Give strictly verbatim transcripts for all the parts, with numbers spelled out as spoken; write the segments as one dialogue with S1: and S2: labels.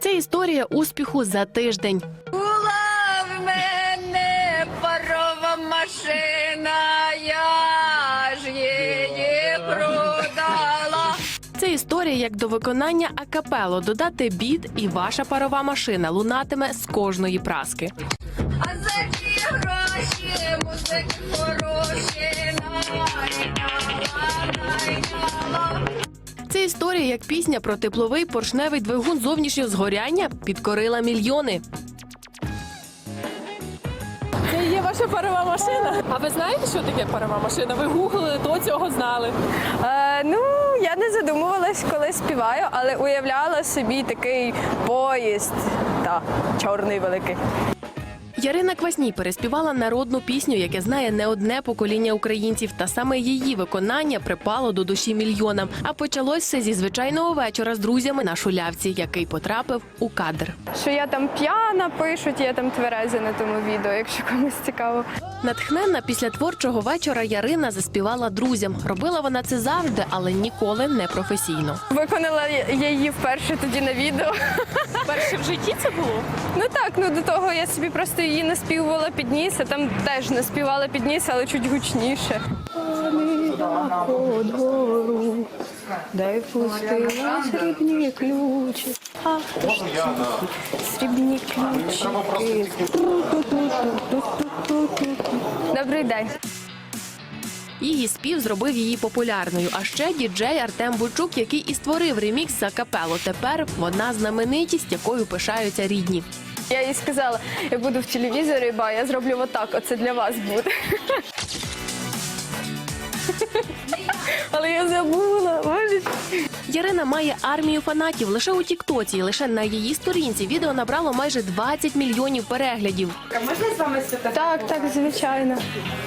S1: Це історія успіху за тиждень.
S2: Була в мене парова машина, я ж її продала.
S1: Це історія, як до виконання акапело додати біт, і ваша парова машина лунатиме з кожної праски.
S2: А за ті гроші музики хороші найняла, найняла.
S1: Це історія, як пісня про тепловий поршневий двигун зовнішнього згоряння підкорила мільйони.
S3: Це є ваша парова машина. А ви знаєте, що таке парова машина? Ви гуглили, до цього знали.
S4: Е, ну, я не задумувалась, коли співаю, але уявляла собі такий поїзд, та чорний великий.
S1: Ярина Квасній переспівала народну пісню, яке знає не одне покоління українців, та саме її виконання припало до душі мільйонам. А почалось все зі звичайного вечора з друзями на Шулявці, який потрапив у кадр.
S4: Що я там п'яна, пишуть, я там твереза на тому відео, якщо комусь цікаво.
S1: Натхненна після творчого вечора Ярина заспівала друзям. Робила вона це завжди, але ніколи не професійно.
S4: Виконала я її вперше тоді на відео.
S3: Перше в житті це було?
S4: Ну так, ну до того я собі просто її наспівувала під ніс, а там теж наспівала під ніс, але чуть гучніше. Дай пустила срібні ключі. Ах, срібні ключі. Добрий день.
S1: Її спів зробив її популярною. А ще діджей Артем Бойчук, який і створив ремікс за капело. Тепер вона знаменитість, якою пишаються рідні.
S4: Я їй сказала, я буду в телевізорі, ба, я зроблю отак, оце для вас буде. Але я забула, боже.
S1: Ярина має армію фанатів лише у тіктоці. Лише на її сторінці відео набрало майже двадцять мільйонів переглядів.
S3: Можна з вами сфотографувати?
S4: Так, так, звичайно.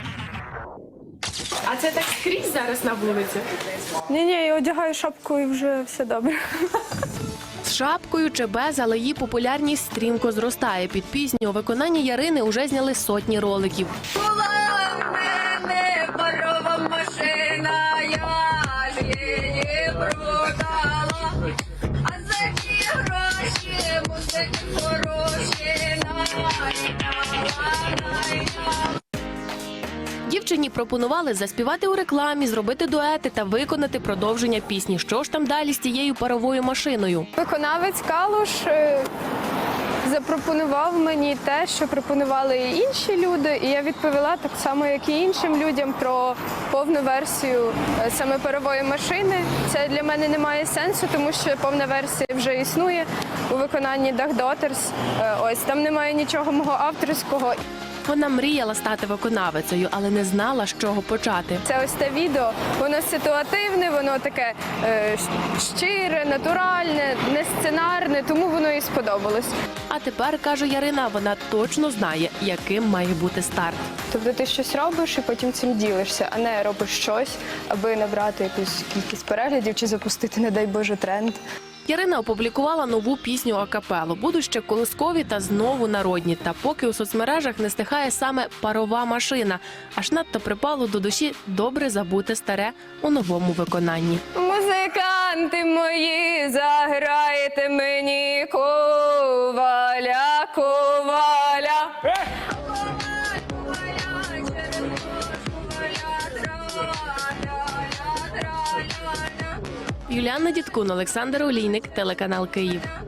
S3: А це так скрізь зараз на вулиці?
S4: Ні-ні, я одягаю шапку і вже все добре.
S1: З шапкою чи без, але її популярність стрімко зростає. Під пісню у виконанні Ярини уже зняли сотні роликів.
S2: Була в мене парова машина, я ж її продала. А за ті гроші музики хороші найняла, найняла.
S1: Дівчині пропонували заспівати у рекламі, зробити дуети та виконати продовження пісні. Що ж там далі з тією паровою машиною?
S4: Виконавець Калуш е, запропонував мені те, що пропонували і інші люди, і я відповіла так само, як і іншим людям, про повну версію е, саме парової машини. Це для мене не має сенсу, тому що повна версія вже існує у виконанні Duck Daughters. Е, ось там немає нічого мого авторського.
S1: Вона мріяла стати виконавицею, але не знала, з чого почати.
S4: Це ось те відео, воно ситуативне, воно таке е, щире, натуральне, не сценарне, тому воно і сподобалось.
S1: А тепер, каже Ярина, вона точно знає, яким має бути старт.
S4: Тобто ти щось робиш і потім цим ділишся, а не робиш щось, аби набрати якусь кількість переглядів чи запустити, не дай Боже, тренд.
S1: Ярина опублікувала нову пісню акапело. Будуть ще колискові та знову народні. Та поки у соцмережах не стихає саме парова машина. Аж надто припало до душі добре забути старе у новому виконанні.
S4: Музиканти мої, заграйте мені коваля, коваля.
S1: Юліанна Дідкун, Олександр Олійник, телеканал Київ.